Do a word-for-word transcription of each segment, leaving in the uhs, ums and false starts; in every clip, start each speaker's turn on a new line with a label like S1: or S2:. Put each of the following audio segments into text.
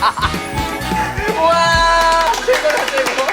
S1: 우와, 최고다, 최고.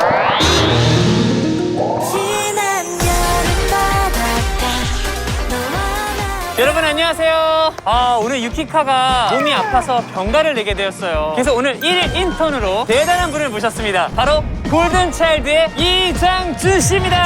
S1: 여러분 안녕하세요. 아, 오늘 유키카가 몸이 아파서 병가를 내게 되었어요. 그래서 오늘 일 일 인턴으로 대단한 분을 모셨습니다. 바로 골든차일드의 이장준 씨입니다.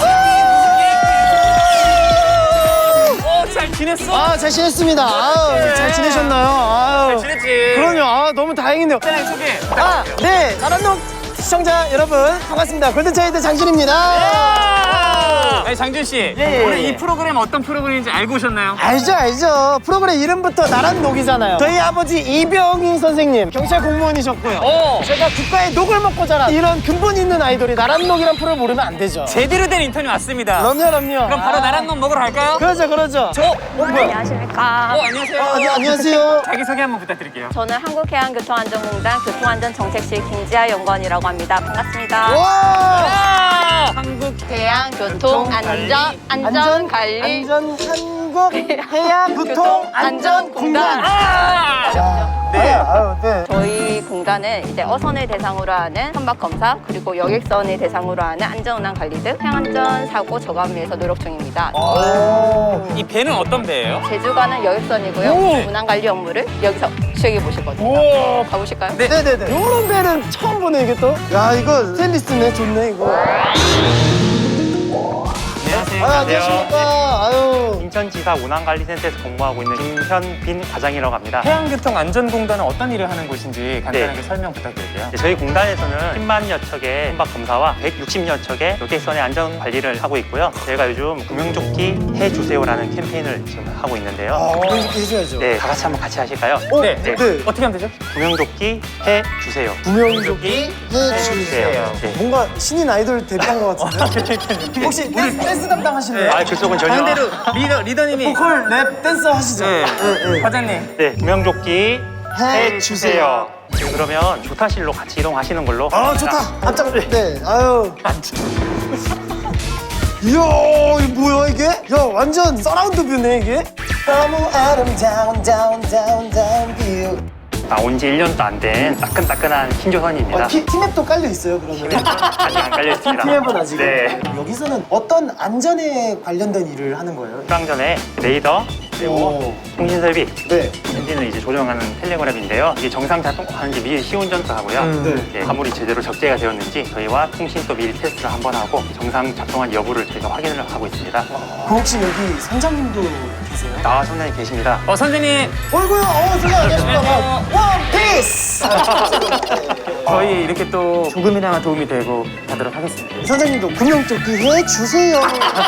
S1: 어, 잘 지냈어?
S2: 아, 잘 지냈습니다. 아유, 잘 지내셨나요? 아유.
S1: 잘 지냈지?
S2: 그럼요. 아, 너무 다행이네요.
S1: 사랑 소개.
S2: 아, 네. 나란동 시청자 여러분, 반갑습니다. 골든차일드 장준입니다.
S1: 아니, 장준 씨,
S2: 예, 예,
S1: 오늘
S2: 예.
S1: 이 프로그램 어떤 프로그램인지 알고 오셨나요?
S2: 알죠, 알죠. 프로그램 이름부터 나란녹이잖아요. 저희 아버지 이병희 선생님, 경찰 공무원이셨고요.
S1: 어.
S2: 제가 국가의 녹을 먹고 자란 이런 근본 있는 아이돌이 나란녹이란 프로를 모르면 안 되죠.
S1: 제대로 된 인턴이 왔습니다.
S2: 그럼요, 그럼요.
S1: 그럼 바로
S2: 아.
S1: 나란놈 먹으러 갈까요?
S2: 그러죠, 그러죠.
S1: 저, 어, 뭐야?
S3: 안녕하십니까.
S1: 어, 안녕하세요.
S2: 어, 아니, 안녕하세요.
S1: 자기소개 한번 부탁드릴게요.
S3: 저는 한국해양교통안전공단 교통안전정책실 김지아 연구원이라고 합니다. 반갑습니다.
S2: 와!
S1: 아!
S3: 한국해양교통안전 안전관리
S2: 안전 한국 해양교통안전공단.
S1: 아!
S2: 네. 아유, 네.
S3: 저희 공단은 이제 어선을 대상으로 하는 선박 검사 그리고 여객선을 대상으로 하는 안전운항 관리 등 해양안전 사고 저감을 위해서 노력 중입니다.
S2: 오.
S1: 이 배는 어떤 배예요?
S3: 제주가는 여객선이고요.
S2: 오.
S3: 운항 관리 업무를 여기서 수행해 보시거든요.
S1: 오.
S3: 가보실까요?
S1: 네.
S2: 네네네. 요런 배는 처음 보네, 이게 또. 야, 이거 스테인리스네. 좋네, 이거.
S1: 안녕하세요.
S2: 아, 안녕하십니까. 아유.
S4: 인천지사 운항관리센터에서 근무하고 있는 김현빈 과장이라고 합니다.
S1: 해양교통안전공단은 어떤 일을 하는 곳인지 간단하게
S4: 네.
S1: 설명 부탁드릴게요.
S4: 네, 저희 공단에서는 십만여 척의 선박 검사와 백육십여 척의 여객선의 안전 관리를 하고 있고요. 저희가 요즘 구명조끼 해주세요라는 캠페인을 지금 하고 있는데요.
S2: 아, 그렇게 해줘야죠.
S4: 네, 다 같이 한번 같이 하실까요?
S2: 어,
S1: 네.
S2: 네.
S1: 어떻게 하면 되죠?
S4: 구명조끼 해주세요.
S2: 구명조끼 해주세요.
S4: 네.
S2: 뭔가 신인 아이돌 데뷔한 것 같은데. 혹시 댄스, 댄스 담당하실래요?
S4: 아, 그쪽은 전혀.
S1: 반대로 리더, 리더님이.
S2: 보컬, 랩, 댄서 하시죠?
S1: 네.
S2: 네, 네.
S1: 과장님.
S4: 네, 구명조끼
S2: 해주세요.
S4: 네, 그러면 조타실로 같이 이동하시는 걸로.
S2: 아, 좋다. 앞장. 네, 아유. 이야, 이거 뭐야, 이게? 야, 완전 서라운드 뷰네, 이게? 너무 아름다운, 다운, 다운, 다운 뷰.
S4: 나온 지 일 년도 안 된 따끈따끈한 신조선입니다.
S2: 어, 티, 티맵도 깔려 있어요, 그러면?
S4: 아직 안 깔려 있습니다.
S2: 티맵은 아직.
S4: 네.
S2: 여기서는 어떤 안전에 관련된 일을 하는 거예요?
S4: 출항 전에 레이더 그리고
S2: 오.
S4: 통신 설비
S2: 네.
S4: 엔진을 이제 조정하는 텔레그램인데요. 이게 정상 작동하는지 미리 시운전도 하고요.
S1: 음,
S2: 네.
S4: 예, 화물이 제대로 적재가 되었는지 저희와 통신도 미리 테스트를 한번 하고 정상 작동한 여부를 저희가 확인을 하고 있습니다.
S2: 그 혹시 여기 선장님도 계세요?
S4: 아, 선생님 계십니다.
S1: 어, 선생님.
S2: 어이구야, 어, 선생님 안녕하십니까.
S1: 안녕하세요.
S2: 원피스!
S1: 저희 이렇게 또 조금이나마 도움이 되고 가도록 하겠습니다.
S2: 선생님도 구명조끼 해주세요.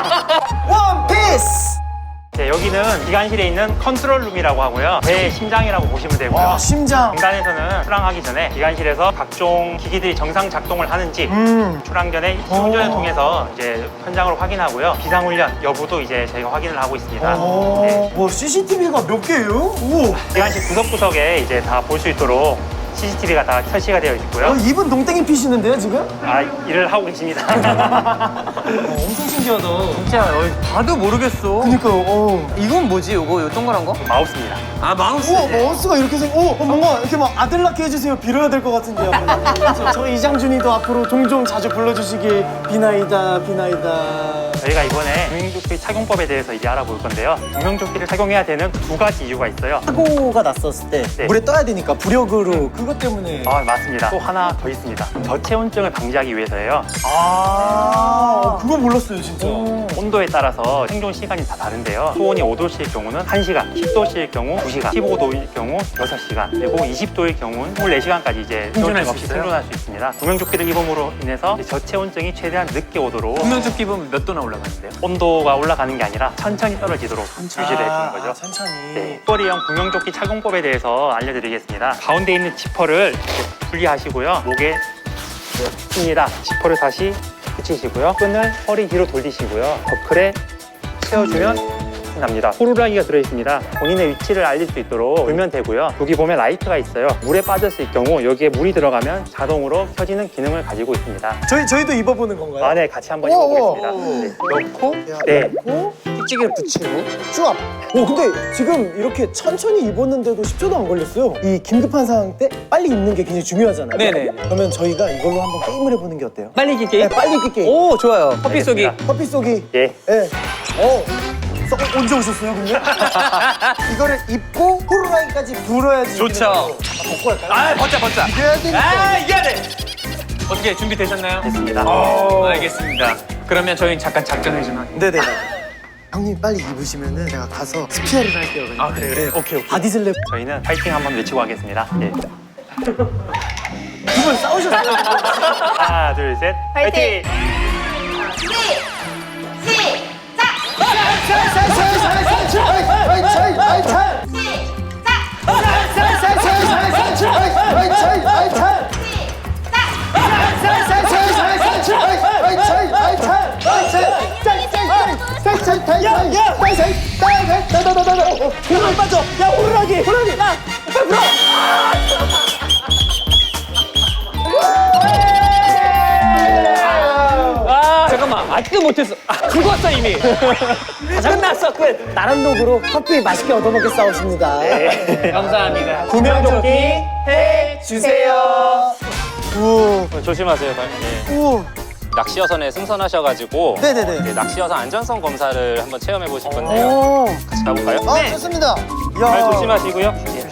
S2: 원피스!
S4: 네, 여기는 기관실에 있는 컨트롤룸이라고 하고요. 배 심장이라고 보시면 되고요.
S2: 와, 심장.
S4: 공단에서는 출항하기 전에 기관실에서 각종 기기들이 정상 작동을 하는지
S2: 음.
S4: 출항 전에 시운전을 통해서 이제 현장으로 확인하고요. 비상훈련 여부도 이제 저희가 확인을 하고 있습니다.
S2: 오,
S4: 네.
S2: 뭐 씨씨티비가 몇 개예요? 오.
S4: 기관실 구석구석에 이제 다 볼 수 있도록 씨씨티비가 다 설치가 되어 있고요.
S2: 어, 입은 동땡이 피시는데요, 지금?
S4: 아, 일을 하고 계십니다.
S2: 어, 엄청 신기하다.
S1: 진짜 어, 봐도 모르겠어.
S2: 그니까요, 어.
S1: 이건 뭐지? 요거 요 동그란 거?
S4: 마우스입니다.
S1: 아, 마우스.
S2: 우와, 마우스가 이렇게 생, 어, 어, 뭔가 이렇게 막 아들 낳게 해주세요. 빌어야 될 것 같은데요. 저, 저 이장준이도 앞으로 종종 자주 불러주시길 비나이다, 비나이다.
S4: 저희가 이번에 구명조끼 착용법에 대해서 이제 알아볼 건데요. 구명조끼를 착용해야 되는 두 가지 이유가 있어요.
S2: 사고가 났었을 때
S4: 네.
S2: 물에 떠야 되니까 부력으로 그것 때문에.
S4: 아, 맞습니다. 또 하나 더 있습니다. 저체온증을 방지하기 위해서예요.
S2: 아, 어, 그거 몰랐어요, 진짜.
S4: 온도에 따라서 생존 시간이 다 다른데요. 수온이 오 도씨일 경우는 한 시간, 십 도씨일 경우 두 시간, 십오 도일 경우 여섯 시간, 그리고 이십 도일 경우는 이십사 시간까지 이제
S1: 생존할 수
S4: 없이
S1: 있어요?
S4: 생존할 수 있습니다. 구명조끼를 입음으로 인해서 이제 저체온증이 최대한 늦게 오도록
S1: 구명조끼 입으면 몇 도나 올라가는데요?
S4: 온도가 올라가는 게 아니라 천천히 떨어지도록 유지를 해주는
S2: 아,
S4: 거죠.
S2: 아, 천천히.
S4: 네, 뚜어리형 구명조끼 착용법에 대해서 알려드리겠습니다. 가운데 있는 지퍼를 이렇게 분리하시고요. 목에 씁니다. 지퍼를 다시 붙이시고요. 끈을 허리 뒤로 돌리시고요. 버클에 채워주면 납니다. 호루라기가 들어있습니다. 본인의 위치를 알릴 수 있도록 돌면 되고요. 여기 보면 라이트가 있어요. 물에 빠졌을 경우 여기에 물이 들어가면 자동으로 켜지는 기능을 가지고 있습니다.
S2: 저희, 저희도 입어보는 건가요?
S4: 아, 네, 같이 한번
S2: 우와,
S4: 입어보겠습니다. 네.
S1: 넣고
S4: 네.
S2: 넣고, 찌개를 붙이고 쭈압. 오 근데 지금 이렇게 천천히 입었는데도 십 초도 안 걸렸어요. 이 긴급한 상황 때 빨리 입는 게 굉장히 중요하잖아요.
S1: 네네.
S2: 그러면 저희가 이걸로 한번 게임을 해보는 게 어때요?
S1: 빨리 기 게임?
S2: 네, 빨리 기 게임.
S1: 오, 좋아요. 커피 쏘기.
S4: 알겠습니다.
S2: 커피 쏘기.
S4: 예.
S2: 네. 어. 써- 어, 언제 오셨어요, 근데? 이거를 입고 호루라기까지 불어야지.
S1: 좋죠.
S2: 한번 벗고 할까요?
S1: 아, 벗자, 벗자.
S2: 이겨야 되니까.
S1: 아, 이겨야 돼. 어떻게 준비되셨나요?
S4: 됐습니다.
S1: 어, 알겠습니다. 그러면 저희 잠깐 작전을 좀 하겠습니다.
S2: 네네. 형님 빨리 입으시면은 제가 가서 스피어를 할게요. 그냥.
S1: 아, 그래요?
S2: 네.
S1: 오케이, 오케이.
S2: 바디슬랩.
S4: 저희는 파이팅 한번 외치고 하겠습니다. 예.
S2: 두 분 싸우셨어요?
S4: 하나, 둘, 셋.
S3: 파이팅!
S2: 호루라기 빠져! 야 호루라기! 호루라기! 야! 빨리 불어!
S1: 아, 잠깐만. 아직도 못했어. 아, 죽었어, 이미. 끝났어, 끝.
S2: 나란 녹으로 커피 맛있게 얻어먹게 싸우십니다.
S1: 감사합니다.
S2: 구명조끼 해주세요. 우,
S5: 조심하세요. 예.
S2: 우.
S5: 낚시어선에 승선하셔가지고
S2: 네네네.
S5: 이제 낚시어선 안전성 검사를 한번 체험해 보실 건데요.
S2: 오.
S5: 같이 가볼까요?
S2: 아, 좋습니다.
S5: 발
S2: 야,
S5: 조심하시고요.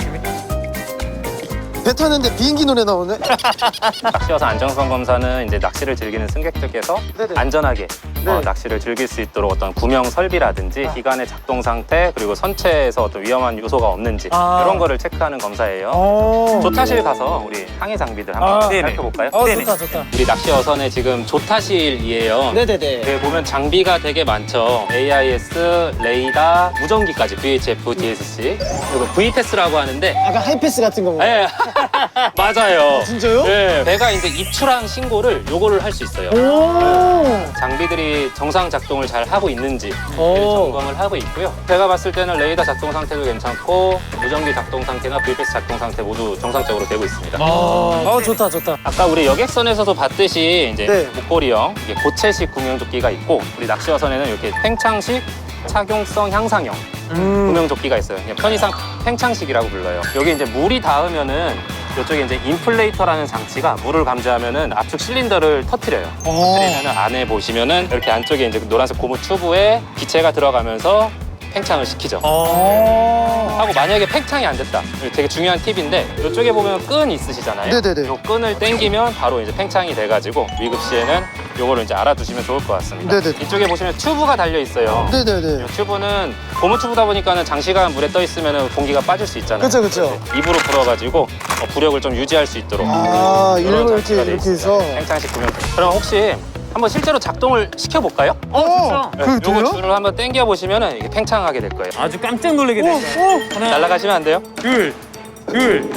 S2: 배 타는데 비행기 노래 나오네.
S5: 낚시어선 안전성 검사는 이제 낚시를 즐기는 승객들께서
S2: 네네.
S5: 안전하게
S2: 네.
S5: 어, 낚시를 즐길 수 있도록 어떤 구명 설비라든지 기관의 작동 상태 그리고 선체에서 어떤 위험한 요소가 없는지
S2: 아.
S5: 이런 거를 체크하는 검사예요.
S2: 오.
S5: 조타실 가서 우리 항해 장비들 한번
S2: 아,
S1: 네네.
S5: 살펴볼까요?
S2: 어,
S1: 네네.
S2: 좋다, 좋다.
S5: 우리 낚시어선에 지금 조타실이에요.
S2: 네네네.
S5: 여기 보면 장비가 되게 많죠. 에이아이에스, 레이더, 무전기까지 브이에이치에프, 디에스씨 그리고 브이패스라고 하는데
S2: 아까 하이패스 같은 거.
S5: 네. 맞아요.
S2: 진짜요?
S5: 네. 배가 이제 입출항 신고를 요거를 할 수 있어요.
S2: 오.
S5: 장비들이 정상 작동을 잘 하고 있는지
S2: 오.
S5: 점검을 하고 있고요. 제가 봤을 때는 레이더 작동 상태도 괜찮고 무전기 작동 상태나 브이패스 작동 상태 모두 정상적으로 되고 있습니다.
S2: 아, 어, 좋다, 좋다.
S5: 아까 우리 여객선에서도 봤듯이 이제
S2: 네.
S5: 목걸이형, 이게 고체식 구명조끼가 있고 우리 낚시어선에는 이렇게 팽창식 착용성 향상형
S2: 음.
S5: 구명조끼가 있어요. 그냥 편의상 팽창식이라고 불러요. 여기 이제 물이 닿으면은 이쪽에 이제 인플레이터라는 장치가 물을 감지하면은 압축 실린더를 터트려요.
S2: 오.
S5: 터트리면은 안에 보시면은 이렇게 안쪽에 이제 노란색 고무 튜브에 기체가 들어가면서 팽창을 시키죠.
S2: 오.
S5: 하고 만약에 팽창이 안 됐다. 되게 중요한 팁인데 이쪽에 보면 끈 있으시잖아요.
S2: 네네네.
S5: 이 끈을 당기면 바로 이제 팽창이 돼가지고 위급 시에는 요거를 이제 알아두시면 좋을 것 같습니다.
S2: 네네네.
S5: 이쪽에 보시면 튜브가 달려 있어요.
S2: 네네네.
S5: 이 튜브는 고무 튜브다 보니까는 장시간 물에 떠 있으면 공기가 빠질 수 있잖아요.
S2: 그쵸, 그쵸.
S5: 그래서 입으로 불어가지고 어, 부력을 좀 유지할 수 있도록.
S2: 아,
S5: 이런
S2: 일부러 이렇게,
S5: 장치가 돼
S2: 이렇게
S5: 있습니다.
S2: 해서.
S5: 팽창식 구명. 그럼 혹시 한번 실제로 작동을 시켜볼까요?
S1: 어, 좋죠.
S5: 네,
S2: 그게 돼요?
S5: 요거 줄을 한번 당겨 보시면은 이게 팽창하게 될 거예요.
S1: 아주 깜짝 놀라게
S2: 오,
S1: 됐어요.
S2: 오.
S1: 하나,
S5: 날아가시면 안 돼요.
S1: 둘, 둘.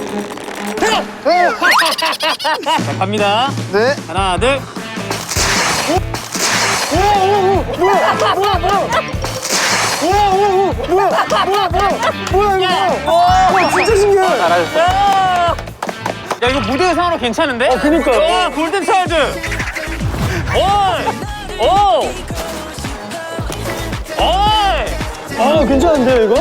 S1: 자, 갑니다.
S2: 네.
S1: 하나, 둘.
S2: 뭐야, 뭐야, 뭐야, 이거. 와, 진짜 신기해.
S5: 잘하셨어요.
S1: 야! 야, 이거 무대 의상으로 괜찮은데? 어,
S2: 그니까요.
S1: 와, 골든 차일드! 오이! 오! 오이!
S2: 아, 괜찮은데요, 이거?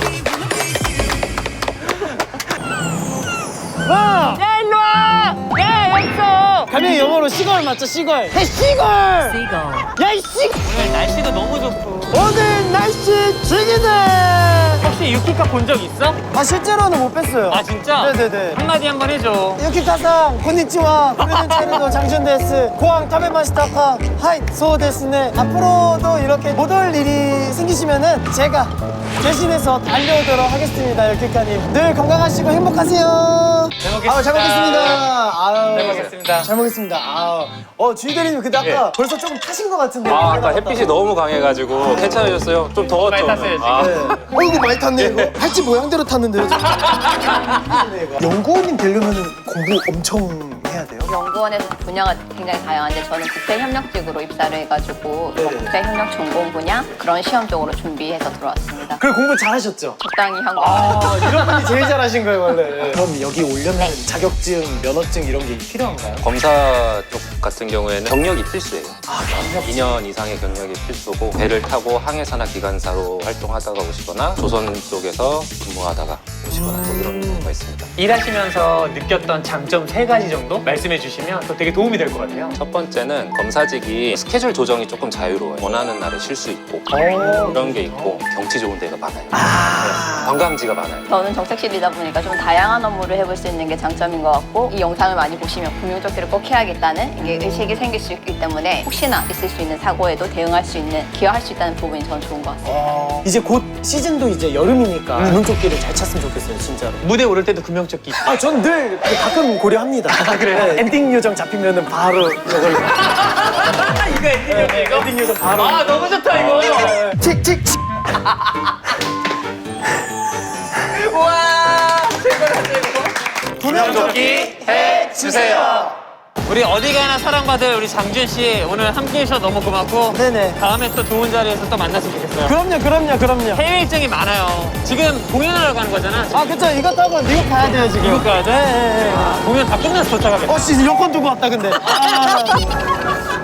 S2: 와!
S1: 야, 일로 와! 야, 여기 있어!
S2: 가면 영어로 시걸 맞죠, 시걸. 해, 시걸! 야, 이 시!
S1: 오늘 날씨도 너무 좋고.
S2: 오늘 날씨 죽이네!
S1: 혹시 유키카 본 적 있어?
S2: 아, 실제로는 못 뵀어요.
S1: 아, 진짜?
S2: 네네네.
S1: 한마디 한번 해줘.
S2: 유키카상, 곤니치와, 고려된 차이도 장준 데스, 고항 타베마시타카, 하이, 소 데스네. 앞으로도 이렇게 못 올 일이 생기시면은 제가 대신해서 달려오도록 하겠습니다, 유키카님. 늘 건강하시고 행복하세요.
S1: 잘 먹겠습니다.
S2: 아유, 잘 먹겠습니다. 아유,
S1: 잘 먹겠습니다.
S2: 잘 먹겠습니다. 아유. 어, 주인대리님, 근데 아까 벌써 조금 타신 것 같은데.
S5: 아, 아까 햇빛이 너무 강해가지고 괜찮으셨어요? 좀 더웠죠?
S1: 많이 탔어요,
S5: 아,
S2: 네. 어, 이거 많이 탔네, 이거. 팔찌 모양대로 탔는데요, 지금. 연구원님 되려면 공부 엄청 해야 돼요?
S3: 연구원에서 분야가 굉장히 다양한데 저는 국제협력직으로 입사를 해가지고
S2: 네.
S3: 국제협력 전공 분야 그런 시험 쪽으로 준비해서 들어왔습니다.
S2: 그래, 공부 잘하셨죠?
S3: 적당히 한 거.
S2: 아, 이런 분이 제일 잘하신 거예요, 원래. 그럼 여기 오려면 자격증, 면허증 이런 게 필요한가요?
S5: 검사 쪽 같은 경우에는 경력이 필수예요.
S2: 아,
S5: 이 년 이상의 경력이 필수고 배를 타고 항해사나 기관사로 활동하다가 오시거나 조선 쪽에서 근무하다가 오시거나 뭐 이런 경우가 있습니다.
S1: 일하시면서 느꼈던 장점 세 가지 정도 말씀해 주시면 또 되게 도움이 될 것 같아요.
S5: 첫 번째는 검사직이 스케줄 조정이 조금 자유로워요. 원하는 날에 쉴 수 있고
S1: 오.
S5: 그런 게 있고 경치 좋은 데가 많아요.
S2: 아.
S5: 네, 관광지가 많아요.
S3: 저는 정책실이다 보니까 좀 다양한 업무를 해볼 수 있는 게 장점인 것 같고 이 영상을 많이 보시면 구명조끼를 꼭 해야겠다는 이게 의식이 생길 수 있기 때문에 혹시나 있을 수 있는 사고에도 대응할 수 있는 기여할 수 있다는 부분이 저는 좋은 것 같습니다.
S2: 어, 이제 곧 시즌도 이제 여름이니까 구명조끼를 잘 찼으면 좋겠어요, 진짜로.
S1: 무대 오를 때도 구명조끼.
S2: 아, 전 늘 가끔 고려합니다.
S1: 아, 그래요?
S2: 네, 엔딩 요정 잡히면은 바로 이걸.
S1: 이거 엔딩이었지, 이거?
S2: 엔딩 요정 바로.
S1: 아, 너무 좋다, 이거.
S2: 칙칙칙.
S1: 우와, 최고다, 최고.
S2: 구명조끼
S1: 해주세요. 우리 어디 가나 사랑받을 우리 장준 씨 오늘 함께 해주셔서 너무 고맙고
S2: 네네.
S1: 다음에 또 좋은 자리에서 또 만났으면 좋겠어요.
S2: 그럼요, 그럼요, 그럼요.
S1: 해외 일정이 많아요. 지금 공연하러 가는 거잖아.
S2: 아, 그쵸. 이거 타고 미국 가야 돼요, 지금.
S1: 미국 가야 돼?
S2: 네, 네, 네.
S1: 공연 다 끝나서 도착하겠다.
S2: 어, 씨, 여권 두고 왔다, 근데. 아.